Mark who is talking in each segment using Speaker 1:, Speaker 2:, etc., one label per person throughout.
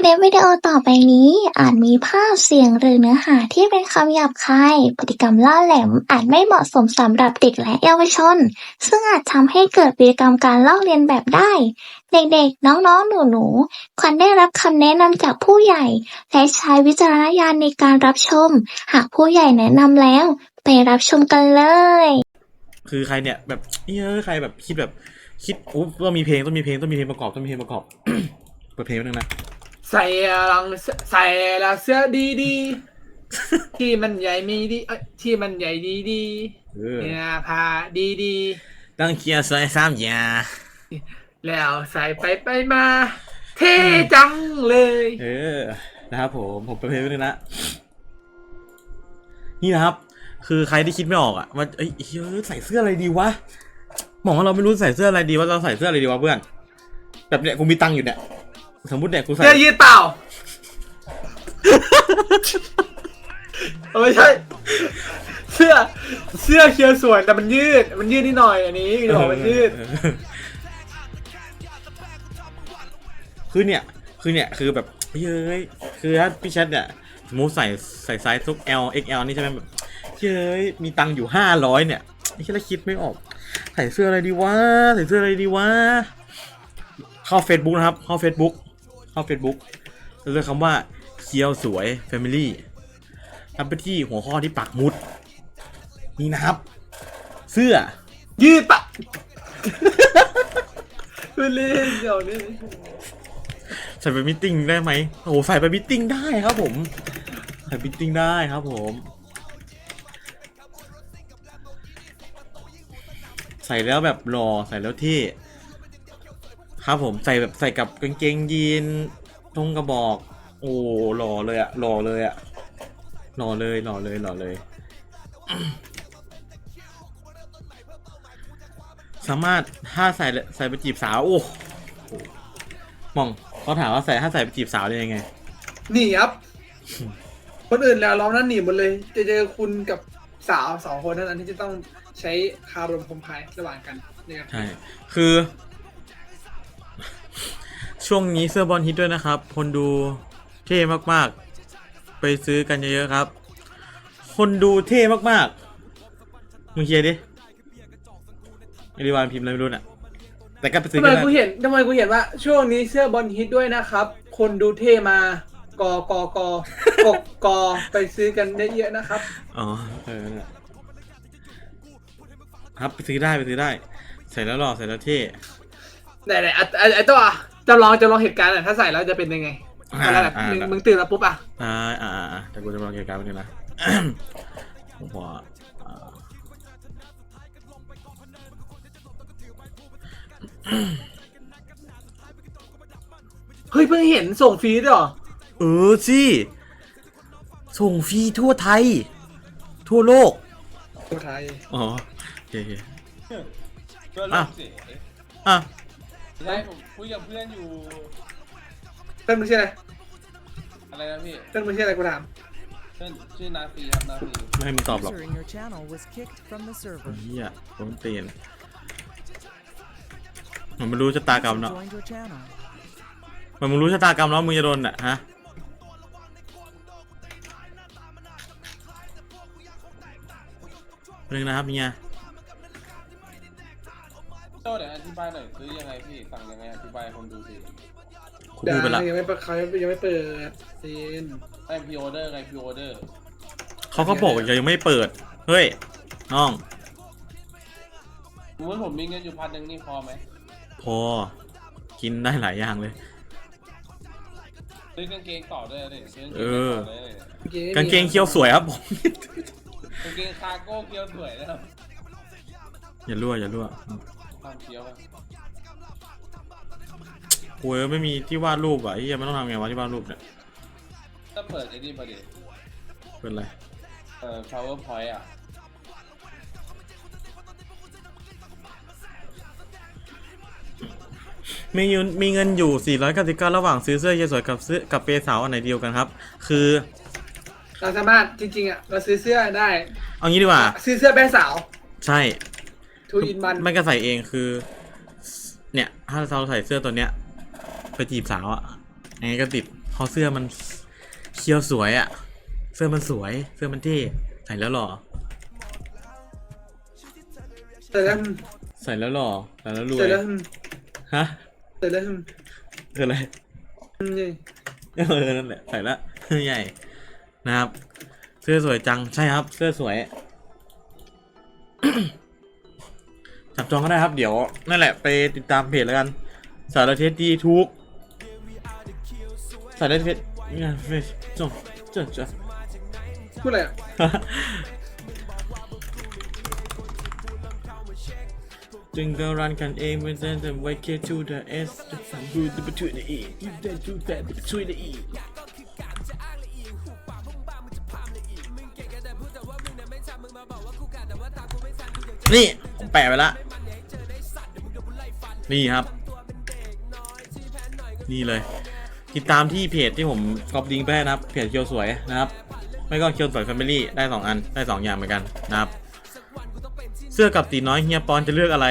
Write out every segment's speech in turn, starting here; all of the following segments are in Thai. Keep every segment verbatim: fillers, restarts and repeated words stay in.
Speaker 1: ลิปวิดีโอต่อไปนี้อาจมีภาพเสียงหรือเนื้อหาที่เป็นคำหยาบคายพฤติกรรมล่าแหลมอาจไม่เหมาะสมสำหรับเด็กและเยาวชนซึ่งอาจทำให้เกิดพฤติกรรมการลอกเลียนแบบได้เด็กๆน้องๆหนูๆควรได้รับคำแนะนำจากผู้ใหญ่และใช้วิจารณญาณในการรับชมหากผู้ใหญ่แนะนำแล้วไปรับชมกันเลย
Speaker 2: คือใครเนี่ยแบบเฮ้ยใครแบบคิดแบบคิดอุ๊บต้องมีเพลงต้องมีเพลงต้องมีเพลงประกอบต้องมีเพลงประกอบ เปิดเพลงนึงนะ
Speaker 3: ใส่ลังใส่ละเสื้อดีดีที่มันใหญ่มีดีเอ้ยที่มันใหญ่ดีดีเนี่ยผ้าดีดี
Speaker 2: ต้องเคียร์ใส่สามยา
Speaker 3: แล้วใส่ไปไปมาเท่จังเลย
Speaker 2: เออนะครับผมผมเปิดเพลงนึงนะนี่นะครับคือใครที่คิดไม่ออกอ่ะว่าเอ้ยใส่เสื้ออะไรดีวะมองว่าเราไม่รู้ใส่เสื้ออะไรดีว่าเราใส่เสื้ออะไรดีวะเพื่อนแบบเนี้ยกูมีตังค์อยู่เนี่ยสมมติเนี่ยกูใส่
Speaker 3: เสื้อยืดเปล่าไม่ใช่เสื้อเสื้อเคียวสวยแต่มันยืดมันยืดนิดหน่อยอันนี้คือบอกมันยืด
Speaker 2: คือเนี่ยคือเนี่ยคือแบบเฮ้ยคือถ้าพี่แชทเนี่ยสมมติใส่ใส่ไซส์ทุก L เอ็กซ์ แอล นี่ใช่ไหมแบบเฮ้ยมีตังค์อยู่ห้าร้อยเนี่ยไอ้ที่เราคิดไม่ออกใส่เสื้ออะไรดีวะใส่เสื้ออะไรดีวะเข้า Facebook นะครับเข้า Facebook เข้า Facebook แล้วเลือกคำว่าเคียวสวย Family ทำไปที่หัวข้อที่ปักมุดนี่นะครับเสื้อ
Speaker 3: ยืดปะเล่นเดี๋ยวนี้
Speaker 2: ใส่ไปมิทติ้งได้ไหมโอ้ใส่ไปมิทติ้งได้ครับผมใส่มิทติ้งได้ครับผมใส่แล้วแบบหล่อใส่แล้วเท่ครับผมใส่แบบใส่กับกางเกงยีนทงกระบอกโอ้หล่อเลยอะหล่อเลยอะหล่อเลยหล่อเลยหล่อเลยสามารถถ้าใส่ใส่ไปจีบสาวโอ้มองเขาถามว่าใส่ถ้าใส่ไปจีบสาวได้ยังไง
Speaker 3: หนีครับคนอื่นแล้วเรานั่นหนีหมดเลยจะเจอคุณกับสาวสองคนนั้นที่จะต้องใช้คารมคมพายระหว่างกัน
Speaker 2: ใช่คือช่วงนี้เสื้อบอลฮิตด้วยนะครับคนดูเท่มากๆไปซื้อกันเยอะๆครับคนดูเท่มากๆมึงเคลียร์ดิไอริวานพิมพ์อะไรไม่รู้น่ะแต่ก็ไปซื้อ
Speaker 3: ทำไมกูเห็นทำไมกูเห็นว่าช่วงนี้เสื้อบอลฮิตด้วยนะครับคนดูเท่มากอกอกอกกอไปซื้อกันเยอะๆนะครับ
Speaker 2: อ๋อเออครับไปซื้อได้ไปซื้อได้ใส่แล้วหล่อใส่แล้วเท่
Speaker 3: ไหนไหนไอ้ตัวจำลองจำลองเหตุการณ์ถ้าใส่แล้วจะเป็นยังไงแบบมึงตื่นแล้วปุ๊บอ่ะ
Speaker 2: อ่าอ่าอ่าแต่กูจะลองเหตุการณ์นึงนะผมว่า
Speaker 3: เฮ้ยเพิ่งเห็นส่งฟรีด้วยเหรอ
Speaker 2: เออสิส่งฟรีทั่วไทยทั่วโลก
Speaker 3: ทั่วไทย
Speaker 2: อ๋อโอเคอ่ะอ่ะ
Speaker 4: ใช่ผมคุยกับเพื่อนอยู่
Speaker 3: เพื่อนมึงชื่ออะไร
Speaker 4: อะไรนะพี่
Speaker 3: เพื่อนมึงชื่ออะไรกูถาม
Speaker 4: เพื่อนชื่อนาฟีครับนาฟี
Speaker 2: ไม่ให้มึงตอบหรอกเฮียผมเปลี่ยนมันไม่รู้ชะตากรรมเนาะมันมึงรู้ชะตากรรมแล้วมึงจะโดนอ่ะฮะเรื่องนะครับเมีย
Speaker 4: โต้เดี๋ยวอธิบายหน่อยซื้อยังไงพี่สั่งยังไงอธิบายคนดูสิ
Speaker 3: คุณดูไปละยังไม่เปิดเขายังไม่เปิดซีน
Speaker 4: ไอพีออเดอร์ไงพีออเดอร์
Speaker 2: เขาก็บอกยังไม่เปิดเฮ้ยน้อง
Speaker 4: สมมติผมมีเงินอยู่พันหนึ่งนี่พอไหม
Speaker 2: พอกินได้หลายอย่างเลย
Speaker 4: ซื้อกางเกงต่อด้วยเลย
Speaker 2: เออกางเกงเคี้ยวสวยครับผม
Speaker 4: กางเกงคาร์โก้เคี้ยวสวยนะครับ
Speaker 2: อย่ารั่วอย่ารั่ว
Speaker 4: ทำเคี้ยว
Speaker 2: โอ้ยไม่มีที่วาดรูปอ่ะที่ยังไม่ต้องทำไงวะที่วาดรูปเนี่ย
Speaker 4: ถ้าเปิดไอ้นี่มาดิ
Speaker 2: เปิดอะไร
Speaker 4: เอ่อ PowerPoint อ่ะ
Speaker 2: มีเงินมีเงินอยู่สี่ร้อยเก้าสิบเก้าระหว่างซื้อเสื้อเยสวยกับซื้อกับเปย์สาวอันไหนเดียวกันครับคือ
Speaker 3: เราสามารถจริงๆอ่ะเราซื้อเสื้อได้
Speaker 2: เอางี้ดีกว่า
Speaker 3: ซื้อเสื้อเปย์สาว
Speaker 2: ใช่
Speaker 3: ทูอินวัน
Speaker 2: ไม่ก็ใส่เองคือเนี่ยถ้าเราใส่เสื้อตัวเนี้ยไปจีบสาวอ่ะยังไงก็ติดเพราะเสื้อมันเคียวสวยอะเสื้อมันสวยเสื้อมันเท่ใส่แล้วหล่อ
Speaker 3: ใส่แล้ว
Speaker 2: ใส่แล้วหล่อใส่แล้วรว
Speaker 3: ใส่
Speaker 2: ย
Speaker 3: แล้ว
Speaker 2: ฮะ
Speaker 3: ใส่แล้ว
Speaker 2: คืออะไร
Speaker 3: นี่
Speaker 2: เออนั่นแหละใส่แล้วใหญ่นะครับเสื้อสวยจังใช่ครับเสื้อสวย จับจองก็ได้ครับเดี๋ยวนั่นแหละไปติดตามเพจแล้วกันสารเทศดีทุกสารเทศงานเฟซจงจงจง
Speaker 3: พูดอะไรอ่ะ
Speaker 2: จึงก็รันกันเองเป็นเส้นแต่ไว้แค่ to the s จะสั่งดูจะไปช่วยในอีกยูได้ดูแต่ไปช่วยในอีกนี่ผมแปะไปละนี่ครับนี่เลยติดตามที่เพจที่ผมก๊อปลิงก์ไปให้นะครับเพจเคียวสวยนะครับไม่ก็เคียวสวยแฟมิลี่ได้สองอันได้สองอย่างเหมือนกันนะครับเสื้อกับตีน้อยเฮียปอนจะเลือกอะไร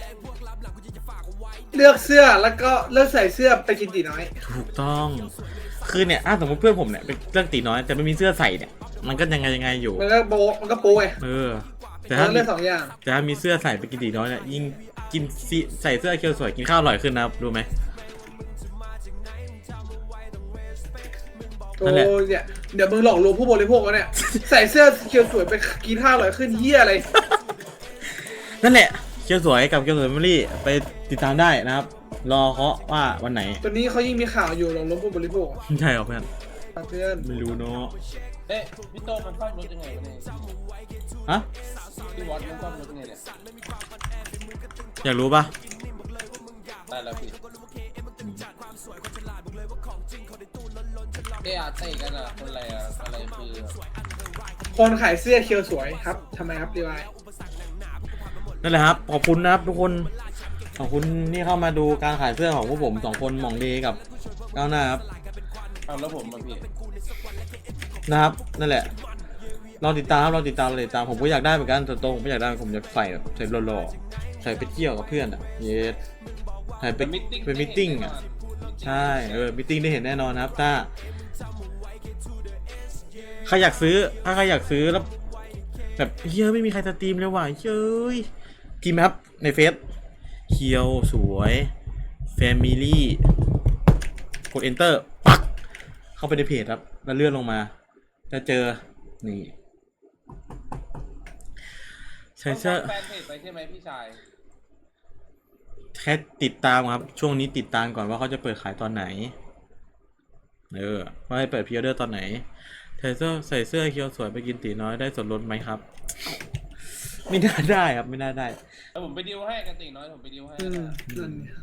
Speaker 3: เลือกเสื้อแล้วก็เลือกใส่เสื้อไปกินตีน้อย
Speaker 2: ถูกต้องคือเนี่ยถ้าสมมติเพื่อนผมเนี่ยเป็นเรื่องตีน้อยแต่ไม่มีเสื้อใส่เนี่ยมันก็ยังไงยังไงอยู่
Speaker 3: มันก็โบะมันก็โป้ไง
Speaker 2: เออแต่
Speaker 3: แต่
Speaker 2: ถ้า
Speaker 3: เลือกสองอย่าง
Speaker 2: แต่ถ้ามีเสื้อใส่ไปกินตีน้อยเนี่ยยิ่งกินซีใส่เสื้อเคียวสวยกินข้าวอร่อยขึ้นนะครับรู้ไหม
Speaker 3: โอ้
Speaker 2: นั่นแหละ
Speaker 3: เนี่ยเดี๋ยวมึงหลอกลวงผู้บริโภควะเนี่ย ใส่เสื้อเขียวสวยไปกินข้าวอร่อยขึ้นเฮียอะไร
Speaker 2: นั่นแหละเคียวสวยกับเคียวสวยแฟมิลี่ไปติดตามได้นะครับ รอเคาะว่าวันไหน
Speaker 3: ตอนนี้เขายิ่งมีข่าวอยู่หลอกลวงผู้บริโภค
Speaker 2: ใช่หรอเพื่อน
Speaker 3: เพื่อน
Speaker 2: ไม่รู้เนาะ
Speaker 4: เอ๊ะพี่โตมันซ่อมรถยังไงวะเนี่ย
Speaker 2: ฮะ
Speaker 4: พี่วอตมันซ่อมรถยังไงเนี่ย
Speaker 2: อยากรู้ปะ
Speaker 4: ได้แล้วพี่เอ๊ะอาเต้กันอะคนอะไรอะอะไรคือ
Speaker 3: คนขายเสื้อเขียวสวยครับทำไมครับดีวาย
Speaker 2: นั่นแหละครับขอบคุณนะครับทุกคนขอบคุณที่เข้ามาดูการขายเสื้อของพวกผมสองคนหม่องดีกับก้าวหน้าครับ
Speaker 4: เอาแล้วผมมาพี่
Speaker 2: นะครับนั่นแหละรอติดตามรอติดตามรอติดตามผมก็อยากได้เหมือนกันแต่ตรงผมไม่อยากได้ผมอยากใส่แบบใส่หล่อๆใส่ไปเที่ยวกับเพื่อนอ่ะเยสใส่ไป
Speaker 4: เป็นมิทติ้ง
Speaker 2: เป็นมิทติ้งอ่ะใช่เออมิทติ้งได้เห็นแน่นอนนะครับถ้าใครอยากซื้อถ้าใครอยากซื้อแล้วแบบเฮ้ยไม่มีใครสตรีมเลยว่ะเฮ้ยพิมพ์ครับในเฟซเคียวสวยแฟมิลี่กด enter ปักเข้าไปในเพจครับแล้วเลื่อนลงมาจะเจอนี่ใส่เสื้อ
Speaker 4: แฟนเพจไปใช่ไหมพี่ชาย
Speaker 2: แค่ติดตามครับช่วงนี้ติดตามก่อนว่าเขาจะเปิดขายตอนไหนเออว่าให้เปิดพรีออเดอร์ตอนไหนใส่เสื้อใส่เสื้อเคียวสวยไปกินตีน้อยได้ส่วนลดไหมครับ ไม่น่าได้ครับไม่น่าได้
Speaker 4: แล้วผมไปดิวให้กันติน้อยผมไปดิวให้
Speaker 3: อืม
Speaker 4: นะ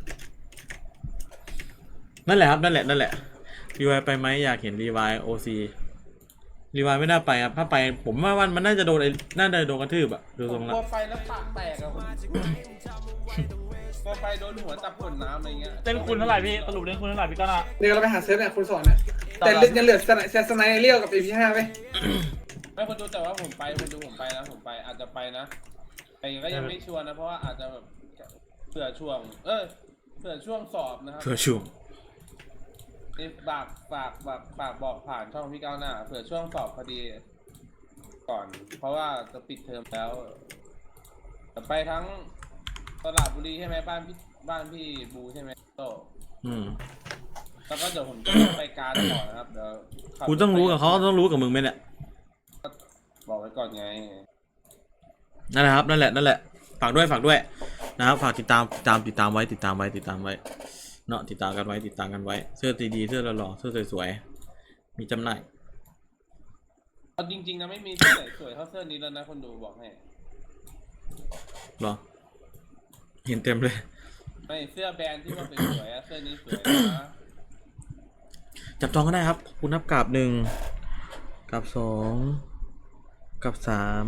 Speaker 3: นั่นเนี่ย
Speaker 2: นั่นแหละครับนั่นแหละนั่นแหละรีวายไปไหมอยากเห็นรีวายโอซีรีวายไม่น่าไปครับถ้าไปผมว่าวันมันน่าจะโดนไอ้น่าจะโดนกระทืบอะดู
Speaker 4: ผ
Speaker 2: ทร
Speaker 4: ม
Speaker 2: ง
Speaker 4: ก
Speaker 2: ละ
Speaker 4: ลัวไปแล้วปากแตกอะผมกลัวไปโดนหัวจับขวดน้ำอะไรเงี้ย
Speaker 5: เล่นคุณเท่าไหร่พี่สรุปเล่นคุณเท่าไหร่พี่ก้าวหน้า
Speaker 3: เดี๋ยวเราไปหาเสื้อเนี่ยคุณสอนเนี่ยแต่ยังเหลือสไนเซสไนเรียวกับเอพีห้าไหม
Speaker 4: ไม่คนดูแต่ว่าผมไปคนดูผมไปนะผมไปอาจจะไปนะแต่ก็ยังไม่ชัวร์นะเพราะว่าอาจจะแบบเผื่อช่วง เออเผื่อช่วงสอบนะครับ
Speaker 2: เพื่อช่วง
Speaker 4: นี่ฝากฝากฝากฝากบอกผ่านช่องพี่ก้าวหน้าเผื่อช่วงสอบพอดีก่อน เพราะว่าจะปิดเทอมแล้วจะไปทั้งตลาดบุรีใช่ไหมบ้านพี่บ้านพี่บูใช่ไหมโต
Speaker 2: อืม
Speaker 4: แล้วก็เดี๋ยวผมจะไปการต่อนะครับเดี๋ยวขับ
Speaker 2: กูต้องรู้กับเขาต้องรู้กับมึงไหมเนี่ย
Speaker 4: บอกไว้ก่อนไง
Speaker 2: นั่นแหละครับนั่นแหละนั่นแหละฝากด้วยฝากด้วยนะครับฝากติดตามติดตามติดตามไว้ติดตามไว้ติดตามไว้เนาะติดตามกันไว้ติดตามกันไว้เสื้อดีๆเสื้อหล่อๆเสื้อสวยๆมีจำหน่าย
Speaker 4: เอาจริงๆนะไม่มีเสื้อไหนสวยเท่าเสื้อนี้แล้วนะคนดูบอกให้
Speaker 2: เหรอเห็นเต็มเลย
Speaker 4: ไม่เสื้อแบรนด์ที่ว่าเป็นสวยอะเสื้อนี้สวยนะ
Speaker 2: จับจองก็ได้ครับขอบคุณนับกราบหนึ่งกราบสองกราบสาม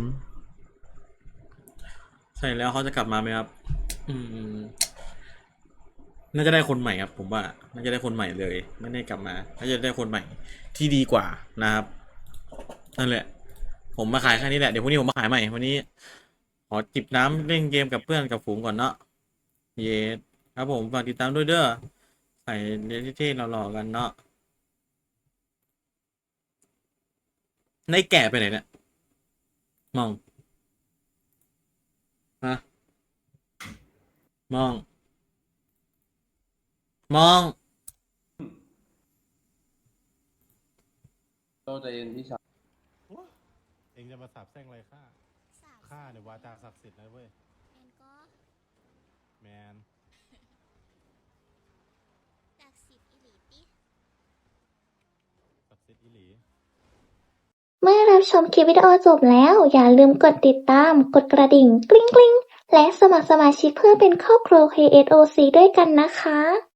Speaker 2: ใช่แล้วเขาจะกลับมาไหมครับอืมน่าจะได้คนใหม่ครับผมว่าน่าจะได้คนใหม่เลยไม่ได้กลับมาน่าจะได้คนใหม่ที่ดีกว่านะครับนั่นแหละผมมาขายแค่นี้แหละเดี๋ยวพรุ่งนี้ผมมาขายใหม่วันนี้ขอจิบน้ำเล่นเกมกับเพื่อนกับฝูงก่อนเนาะเย้ครับผมฝากติดตามด้วยเด้อใส่เรียนเท่ๆหล่อๆกันเนาะในแก่ไปไหนเนี่ยมองฮะมอง มอง
Speaker 4: โตใจเย็นพี่ชาย
Speaker 6: เองจะมาสาบแช่งอะไรข้าข้าเนี่ยวาจาศักดิ์สิทธิ์นะเว้ย
Speaker 7: แมนก็
Speaker 6: แมน
Speaker 7: จากสิบอิลิติ
Speaker 6: ศักดิ์สิทธิ์อีหลี
Speaker 1: เมื่อรับชมคลิปวิดีโอจบแล้ว อย่าลืมกดติดตาม กดกระดิ่งกริ๊งกริ๊งและสมัครสมาชิกเพื่อเป็นครอบครัว เค เอส โอ ซี ด้วยกันนะคะ